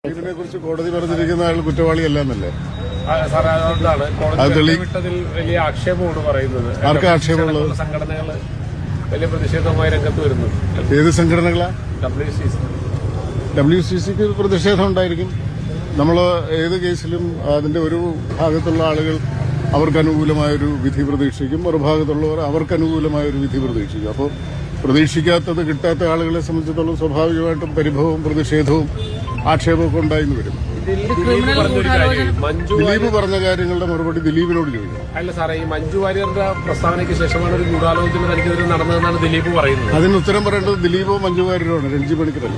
ഇതിനെക്കുറിച്ച് കോടതി പറഞ്ഞിരിക്കുന്ന ആൾ കുറ്റവാളിയല്ലെന്നല്ലേ? വിട്ടതിൽ വലിയ ആക്ഷേപമാണ് പറയുന്നത്. ആർക്ക് ആക്ഷേപമുള്ളത്? സംഘടനകൾ വലിയ പ്രതിഷേധവുമായി രംഗത്ത് വരുന്നു. ഏത് സംഘടനകളാ? WCC പ്രതിഷേധം ഉണ്ടായിരിക്കും. നമ്മൾ ഏത് കേസിലും അതിന്റെ ഒരു ഭാഗത്തുള്ള ആളുകൾ അവർക്ക് അനുകൂലമായൊരു വിധി പ്രതീക്ഷിക്കും, മറുഭാഗത്തുള്ളവർ അവർക്ക് അനുകൂലമായൊരു വിധി പ്രതീക്ഷിക്കും. അപ്പോൾ പ്രതീക്ഷിക്കാത്തത് കിട്ടാത്ത ആളുകളെ സംബന്ധിച്ചിടത്തോളം സ്വാഭാവികമായിട്ടും പരിഭവവും പ്രതിഷേധവും ആക്ഷേപമൊക്കെ ഉണ്ടായിന്ന് വരും. ദിലീപ് പറഞ്ഞ കാര്യങ്ങളുടെ മറുപടി ദിലീപിനോട് ചോദിക്കും. അല്ല സാറേ, ഈ മഞ്ജു വാര്യരുടെ പ്രസ്താവനയ്ക്ക് ശേഷമാണ് ഒരു ഗൂഢാലോചന തനിക്കെതിരെ നടന്നതെന്നാണ് ദിലീപ് പറയുന്നത്. അതിന് ഉത്തരം പറയേണ്ടത് ദിലീപോ മഞ്ജു വാര്യരോ ആണ്, രഞ്ജി പണിക്കരല്ല.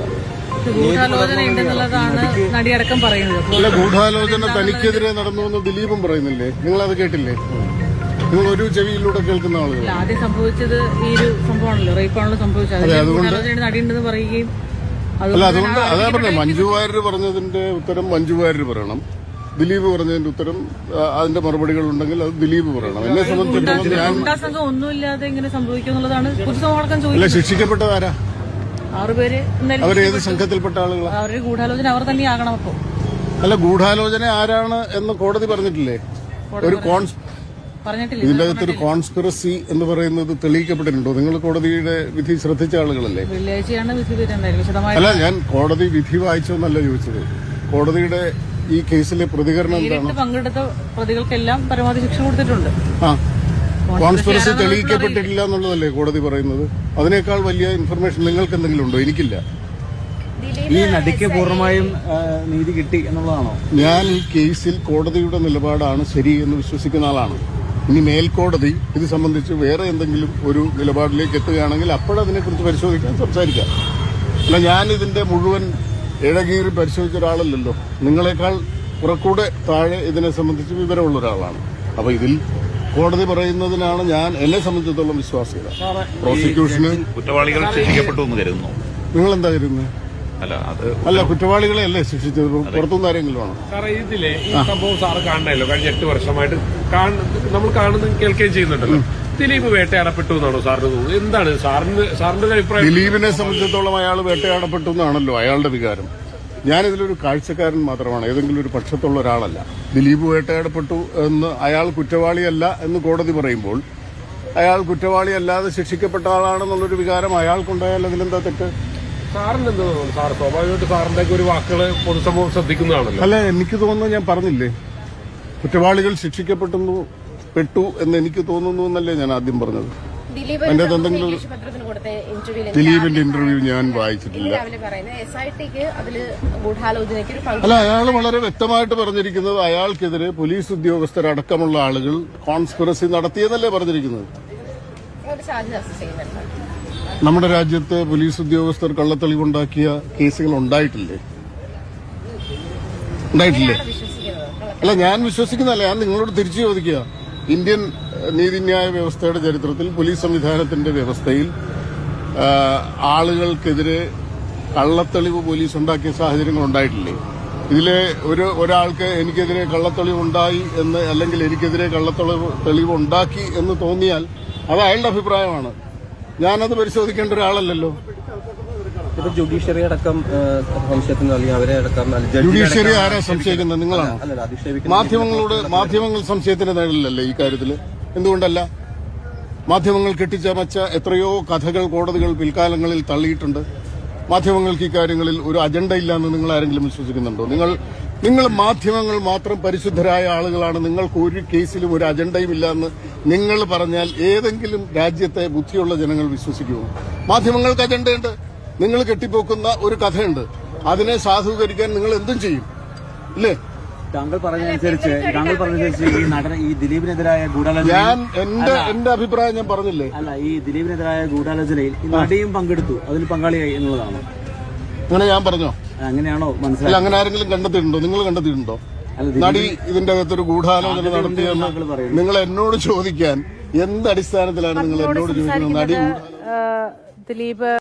അല്ല, ഗൂഢാലോചന തനിക്കെതിരെ നടന്നു എന്ന് ദിലീപും പറയുന്നില്ലേ? നിങ്ങൾ അത് കേട്ടില്ലേ? നിങ്ങൾ ഒരു ചെവിയിലൂടെ കേൾക്കുന്ന ആളുകൾ. ആദ്യം സംഭവിച്ചത് ഈ ഒരു സംഭവമാണല്ലോ, റേപ്പാണല്ലോ സംഭവിച്ചത്. നടിയുണ്ടെന്ന് പറയുകയും അല്ല, അതുകൊണ്ട് അതാ പറഞ്ഞത്, മഞ്ജു വാര്യർ പറഞ്ഞതിന്റെ ഉത്തരം മഞ്ജു വാര്യർ പറയണം, ദിലീപ് പറഞ്ഞതിന്റെ ഉത്തരം അതിന്റെ മറുപടികൾ ഉണ്ടെങ്കിൽ അത് ദിലീപ് പറയണം. എന്നെ സംബന്ധിച്ചിടത്തോളം ഞാൻ ഒന്നുമില്ലാതെ ഇങ്ങനെ സംഭവിക്കുന്നുള്ളതാണ് പൊതുസമൂഹം അല്ല, ചോദിക്കുന്നത്. ശിക്ഷിക്കപ്പെട്ടത് ആരാ? 6 പേര്. അവരേത് സംഘത്തിൽപ്പെട്ട ആളുകളാണ്? അവരുടെ ഗൂഢാലോചന അവർ തന്നെയാകണം. അപ്പൊ അല്ല, ഗൂഢാലോചന ആരാണ് എന്ന് കോടതി പറഞ്ഞിട്ടില്ലേ? ഒരു പറഞ്ഞിട്ടില്ല. ഇതിന്റെ അകത്തൊരു കോൺസ്പിറസി എന്ന് പറയുന്നത് തെളിയിക്കപ്പെട്ടിട്ടുണ്ടോ? നിങ്ങൾ കോടതിയുടെ വിധി ശ്രദ്ധിച്ച ആളുകളല്ലേ? വെള്ളിയാഴ്ചയാണ് വിധി വരുന്നത്. അല്ല, ഞാൻ കോടതി വിധി വായിച്ചോന്നല്ല ചോദിച്ചത്. കോടതിയുടെ ഈ കേസിലെ പ്രതികരണം എന്താണ്? പങ്കെടുത്ത പ്രതികൾക്കെല്ലാം പരമാവധി ശിക്ഷ കൊടുത്തിട്ടുണ്ട്. കോൺസ്പിറസി തെളിയിക്കപ്പെട്ടിട്ടില്ല എന്നുള്ളതല്ലേ കോടതി പറയുന്നത്? അതിനേക്കാൾ വലിയ ഇൻഫർമേഷൻ നിങ്ങൾക്ക് എന്തെങ്കിലും ഉണ്ടോ? എനിക്കില്ല. ഈ നടിക്ക് പൂർണ്ണമായും നീതി കിട്ടി എന്നുള്ളതാണോ? ഞാൻ ഈ കേസിൽ കോടതിയുടെ നിലപാടാണ് ശരി എന്ന് വിശ്വസിക്കുന്ന ആളാണ്. ഇനി മേൽക്കോടതി ഇത് സംബന്ധിച്ച് വേറെ എന്തെങ്കിലും ഒരു നിലപാടിലേക്ക് എത്തുകയാണെങ്കിൽ അപ്പോഴതിനെക്കുറിച്ച് പരിശോധിക്കാൻ സംസാരിക്കാം. അല്ല, ഞാൻ ഇതിന്റെ മുഴുവൻ ഇഴകീറി പരിശോധിച്ച ഒരാളല്ലല്ലോ. നിങ്ങളെക്കാൾ കുറക്കൂടെ താഴെ ഇതിനെ സംബന്ധിച്ച് വിവരമുള്ള ഒരാളാണ്. അപ്പൊ ഇതിൽ കോടതി പറയുന്നതിനാണ് ഞാൻ എന്നെ സംബന്ധിച്ചിടത്തോളം വിശ്വാസ്യത. പ്രോസിക്യൂഷന് കുറ്റവാളികൾ ശിക്ഷിക്കപ്പെട്ടു എന്ന് കരുതുന്നു. നിങ്ങൾ എന്താ കരുതുന്നത്? അല്ല, കുറ്റവാളികളെ അല്ലേ ശിക്ഷിച്ചത്? പുറത്തുനിന്ന് ആരെങ്കിലും ആണ് സാറേ? ഇതിലെ ഈ സംഭവം സാറ് കാണണല്ലോ, കഴിഞ്ഞ 8 വർഷമായിട്ട് നമ്മൾ കാണുന്നതും കേൾക്കുകയും ചെയ്യുന്നുണ്ടല്ലോ. ദിലീപ് വേട്ടയാടപ്പെട്ടു എന്നാണോ സാറിന് തോന്നുന്നത്? എന്താണ് സാറിന്റെ അഭിപ്രായം? ദിലീപിനെ സംബന്ധിച്ചിടത്തോളം അയാൾ വേട്ടയാടപ്പെട്ടു എന്നാണല്ലോ അയാളുടെ വികാരം. ഞാനിതിലൊരു കാഴ്ചക്കാരൻ മാത്രമാണ്, ഏതെങ്കിലും ഒരു പക്ഷത്തുള്ള ഒരാളല്ല. ദിലീപ് വേട്ടയാടപ്പെട്ടു എന്ന് അയാൾ കുറ്റവാളിയല്ല എന്ന് കോടതി പറയുമ്പോൾ അയാൾ കുറ്റവാളിയല്ലാതെ ശിക്ഷിക്കപ്പെട്ട ആളാണെന്നുള്ളൊരു വികാരം അയാൾക്കുണ്ടായാൽ അതിലെന്താ തെറ്റ്? സാറിന് എന്ത് തോന്നുന്നു? സാർ സ്വാഭാവികമായിട്ട് സാറിന്റെ ഒരു വാക്കുകള് പൊതുസമൂഹം ശ്രദ്ധിക്കുന്നതാണല്ലോ. അല്ല, എനിക്ക് തോന്നുന്നു, ഞാൻ പറഞ്ഞില്ലേ, കുറ്റവാളികൾ ശിക്ഷിക്കപ്പെട്ടു എന്ന് എനിക്ക് തോന്നുന്നു എന്നല്ലേ ഞാൻ ആദ്യം പറഞ്ഞത്. അതിന്റെ എന്തെങ്കിലും ദിലീപിന്റെ ഇന്റർവ്യൂ ഞാൻ വായിച്ചിട്ടില്ല. അല്ല, അയാൾ വളരെ വ്യക്തമായിട്ട് പറഞ്ഞിരിക്കുന്നത് അയാൾക്കെതിരെ പോലീസ് ഉദ്യോഗസ്ഥരടക്കമുള്ള ആളുകൾ കോൺസ്പിറസി നടത്തിയെന്നല്ലേ പറഞ്ഞിരിക്കുന്നത്. നമ്മുടെ രാജ്യത്ത് പോലീസ് ഉദ്യോഗസ്ഥർ കള്ളത്തെളിവുണ്ടാക്കിയ കേസുകൾ ഉണ്ടായിട്ടില്ലേ? അല്ല, ഞാൻ വിശ്വസിക്കുന്നതല്ല, ഞാൻ നിങ്ങളോട് തിരിച്ചു ചോദിക്കുക. ഇന്ത്യൻ നീതിന്യായ വ്യവസ്ഥയുടെ ചരിത്രത്തിൽ പോലീസ് സംവിധാനത്തിന്റെ വ്യവസ്ഥയിൽ ആളുകൾക്കെതിരെ കള്ളത്തെളിവ് പോലീസ് ഉണ്ടാക്കിയ സാഹചര്യങ്ങൾ ഉണ്ടായിട്ടില്ലേ? ഇതിലെ ഒരാൾക്ക് എനിക്കെതിരെ കള്ളത്തെളിവ് ഉണ്ടായി എന്ന്, അല്ലെങ്കിൽ എനിക്കെതിരെ കള്ളത്തെളിവ് ഉണ്ടാക്കി എന്ന് തോന്നിയാൽ അത് അയാളുടെ അഭിപ്രായമാണ്. ഞാനത് പരിശോധിക്കേണ്ട ഒരാളല്ലല്ലോ. ഇപ്പൊ ജുഡീഷ്യറി അടക്കം സംശയത്തിന്, അവരെ അടക്കം ജുഡീഷ്യറി ആരാ സംശയിക്കുന്നത്? നിങ്ങളാണോ? മാധ്യമങ്ങൾ സംശയത്തിന്റെ നേരിലല്ലേ ഈ കാര്യത്തില്? എന്തുകൊണ്ടല്ല? മാധ്യമങ്ങൾ കെട്ടിച്ചമച്ച എത്രയോ കഥകൾ കോടതികൾ പിൽക്കാലങ്ങളിൽ തള്ളിയിട്ടുണ്ട്. മാധ്യമങ്ങൾക്ക് ഈ കാര്യങ്ങളിൽ ഒരു അജണ്ട ഇല്ലാന്ന് നിങ്ങൾ ആരെങ്കിലും വിശ്വസിക്കുന്നുണ്ടോ? നിങ്ങൾ മാധ്യമങ്ങൾ മാത്രം പരിശുദ്ധരായ ആളുകളാണ്, നിങ്ങൾക്ക് ഒരു കേസിലും ഒരു അജണ്ടയും ഇല്ലാന്ന് നിങ്ങൾ പറഞ്ഞാൽ ഏതെങ്കിലും രാജ്യത്തെ ബുദ്ധിയുള്ള ജനങ്ങൾ വിശ്വസിക്കുമോ? മാധ്യമങ്ങൾക്ക് അജണ്ടയുണ്ട്. നിങ്ങൾ കെട്ടിപ്പോക്കുന്ന ഒരു കഥയുണ്ട്, അതിനെ സാധൂകരിക്കാൻ നിങ്ങൾ എന്തും ചെയ്യും, ഇല്ലേ? താങ്കൾ പറഞ്ഞതനുസരിച്ച് ഈ ദിലീപിനെതിരായ ഗൂഢാലോചന, ഞാൻ എന്റെ അഭിപ്രായം ഞാൻ പറഞ്ഞില്ലേ? അല്ല, ഈ ദിലീപിനെതിരായ ഗൂഢാലോചനയിൽ ഈ നടിയും പങ്കെടുത്തു, അതിൽ പങ്കാളിയായി എന്നുള്ളതാണ്. അങ്ങനെ ഞാൻ പറഞ്ഞോ? അങ്ങനെയാണോ മനസ്സിലായി? അങ്ങനെ ആരെങ്കിലും കണ്ടെത്തിയിട്ടുണ്ടോ? നിങ്ങൾ കണ്ടെത്തിയിട്ടുണ്ടോ നടി ഇതിന്റെ അകത്തൊരു ഗൂഢാലോചന നടത്തിയെന്ന് നിങ്ങൾ എന്നോട് ചോദിക്കാൻ എന്ത് അടിസ്ഥാനത്തിലാണ് നിങ്ങൾ എന്നോട് ചോദിക്കുന്നത്? നടി ദിലീപ്